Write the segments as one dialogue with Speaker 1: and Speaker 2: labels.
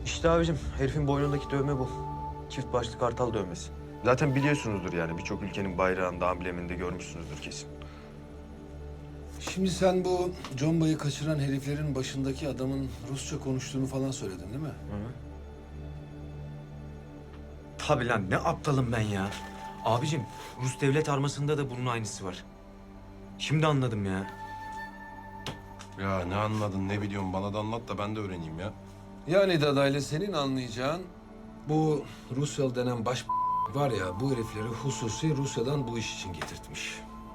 Speaker 1: İşte abicim herifin boynundaki dövme bu. Çift başlı kartal dövmesi. Zaten biliyorsunuzdur yani birçok ülkenin bayrağında, ambleminde görmüşsünüzdür kesin.
Speaker 2: Şimdi sen bu Comba'yı kaçıran heriflerin başındaki adamın Rusça konuştuğunu falan söyledin değil mi?
Speaker 1: Tabii lan ne aptalım ben ya. Abicim Rus devlet armasında da bunun aynısı var. Şimdi anladım ya.
Speaker 3: Ya ne anladın, ne biliyorsun? Bana da anlat da ben de öğreneyim ya.
Speaker 2: Yani Dadaylı senin anlayacağın bu Rusyalı denen baş var ya bu herifleri hususi Rusya'dan bu iş için getirtmiş.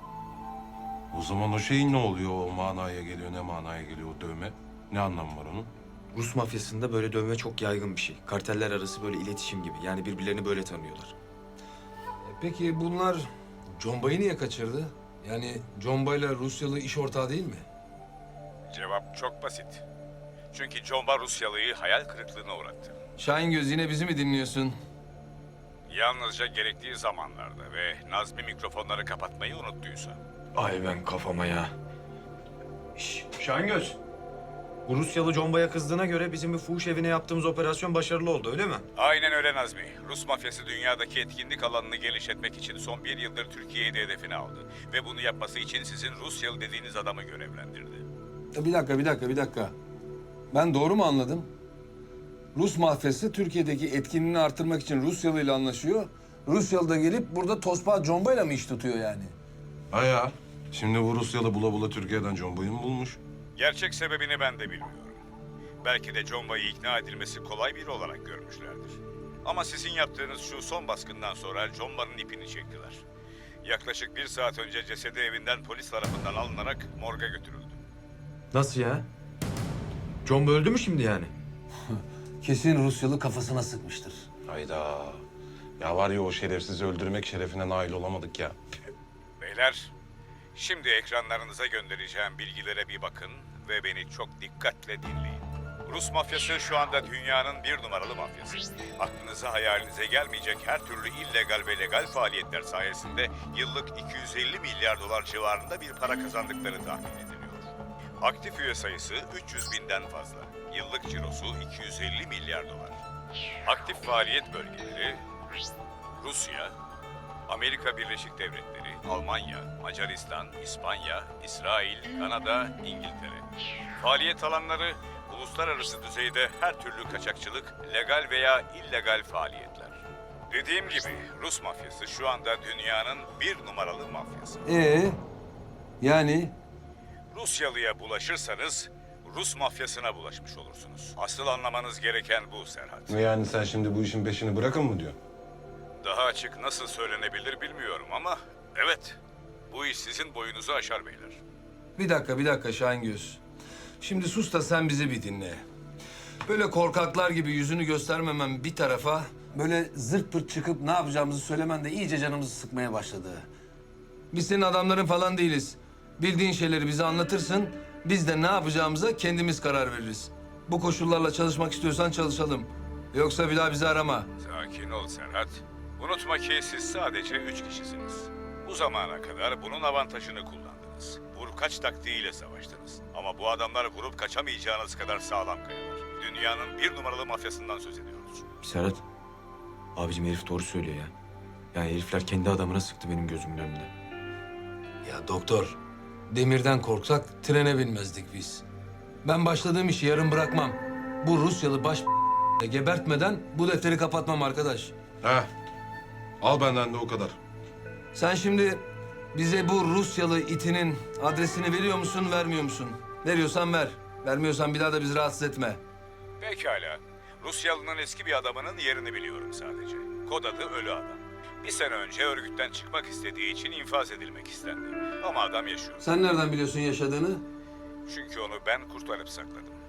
Speaker 3: O zaman o şey ne oluyor? O manaya geliyor, ne manaya geliyor o dövme? Ne anlamı var onun?
Speaker 1: Rus mafyasında böyle dövme çok yaygın bir şey. Karteller arası böyle iletişim gibi. Yani birbirlerini böyle tanıyorlar.
Speaker 2: Peki bunlar Comba'yı niye kaçırdı? Yani Comba ile Rusyalı iş ortağı değil mi?
Speaker 4: Cevap çok basit. Çünkü Comba Rusyalı'yı hayal kırıklığına uğrattı.
Speaker 2: Şahingöz yine bizi mi dinliyorsun?
Speaker 4: Yalnızca gerektiği zamanlarda ve Nazmi mikrofonları kapatmayı unuttuysa.
Speaker 1: Ay ben kafama ya. Şahingöz. Bu Rusyalı Comba'ya kızdığına göre bizim bir fuhuş evine yaptığımız operasyon başarılı oldu öyle mi?
Speaker 4: Aynen öyle Nazmi. Rus mafyası dünyadaki etkinlik alanını genişletmek için son bir yıldır Türkiye'yi de hedefine aldı. Ve bunu yapması için sizin Rusyalı dediğiniz adamı görevlendirdi.
Speaker 2: Bir dakika. Ben doğru mu anladım? Rus mafyası Türkiye'deki etkinliğini artırmak için Rusyalı ile anlaşıyor. Rusyalı da gelip burada tosbağa Comba'yla mı iş tutuyor yani?
Speaker 3: Ha ya. Şimdi bu Rusyalı bula bula Türkiye'den Comba'yı mı bulmuş?
Speaker 4: Gerçek sebebini ben de bilmiyorum. Belki de Comba'yı ikna edilmesi kolay biri olarak görmüşlerdir. Ama sizin yaptığınız şu son baskından sonra Comba'nın ipini çektiler. Yaklaşık 1 saat önce cesedi evinden polis tarafından alınarak morga götürüldü.
Speaker 1: Nasıl ya? Comba öldü mü şimdi yani?
Speaker 2: Kesin Rusyalı kafasına sıkmıştır.
Speaker 3: Hayda. Ya var ya o şerefsizi öldürmek şerefine nail olamadık ya.
Speaker 4: Beyler, şimdi ekranlarınıza göndereceğim bilgilere bir bakın ve beni çok dikkatle dinleyin. Rus mafyası şu anda dünyanın 1 numaralı mafyası. Aklınıza hayalinize gelmeyecek her türlü illegal ve legal faaliyetler sayesinde yıllık 250 milyar dolar civarında bir para kazandıkları tahmin ediliyor. Aktif üye sayısı 300 binden fazla. Yıllık cirosu 250 milyar dolar. Aktif faaliyet bölgeleri Rusya, Amerika Birleşik Devletleri, Almanya, Macaristan, İspanya, İsrail, Kanada, İngiltere. Faaliyet alanları uluslararası düzeyde her türlü kaçakçılık, legal veya illegal faaliyetler. Dediğim gibi Rus mafyası şu anda dünyanın 1 numaralı mafyası.
Speaker 2: Yani?
Speaker 4: Rusyalıya bulaşırsanız Rus mafyasına bulaşmış olursunuz. Asıl anlamanız gereken bu Serhat.
Speaker 3: Yani sen şimdi bu işin peşini bırakın mı diyor?
Speaker 4: Daha açık nasıl söylenebilir bilmiyorum ama evet, bu iş sizin boyunuzu aşar beyler.
Speaker 2: Bir dakika Şahingöz. Şimdi sus da sen bizi bir dinle. Böyle korkaklar gibi yüzünü göstermemen bir tarafa... böyle zırt pırt çıkıp ne yapacağımızı söylemen de iyice canımızı sıkmaya başladı. Biz senin adamların falan değiliz. Bildiğin şeyleri bize anlatırsın. Biz de ne yapacağımıza kendimiz karar veririz. Bu koşullarla çalışmak istiyorsan çalışalım. Yoksa bir daha bizi arama.
Speaker 4: Sakin ol Serhat. Unutma ki siz sadece 3 kişisiniz. Bu zamana kadar bunun avantajını kullandınız. Vur kaç taktiğiyle savaştınız. Ama bu adamlar vurup kaçamayacağınız kadar sağlam kayalar. Dünyanın 1 numaralı mafyasından söz ediyoruz.
Speaker 1: Serhat. Abicim herif doğru söylüyor ya. Yani herifler kendi adamına sıktı benim gözümün önünde.
Speaker 2: Ya doktor, demirden korksak trene binmezdik biz. Ben başladığım işi yarım bırakmam. Bu Rusyalı baş gebertmeden bu defteri kapatmam arkadaş.
Speaker 3: Ha. Al benden de o kadar.
Speaker 2: Sen şimdi bize bu Rusyalı itinin adresini veriyor musun, vermiyor musun? Veriyorsan ver. Vermiyorsan bir daha da bizi rahatsız etme.
Speaker 4: Pekala. Rusyalı'nın eski bir adamının yerini biliyorum sadece. Kod adı Ölü Adam. 1 sene önce örgütten çıkmak istediği için infaz edilmek istendi. Ama adam yaşıyor.
Speaker 2: Sen nereden biliyorsun yaşadığını?
Speaker 4: Çünkü onu ben kurtarıp sakladım.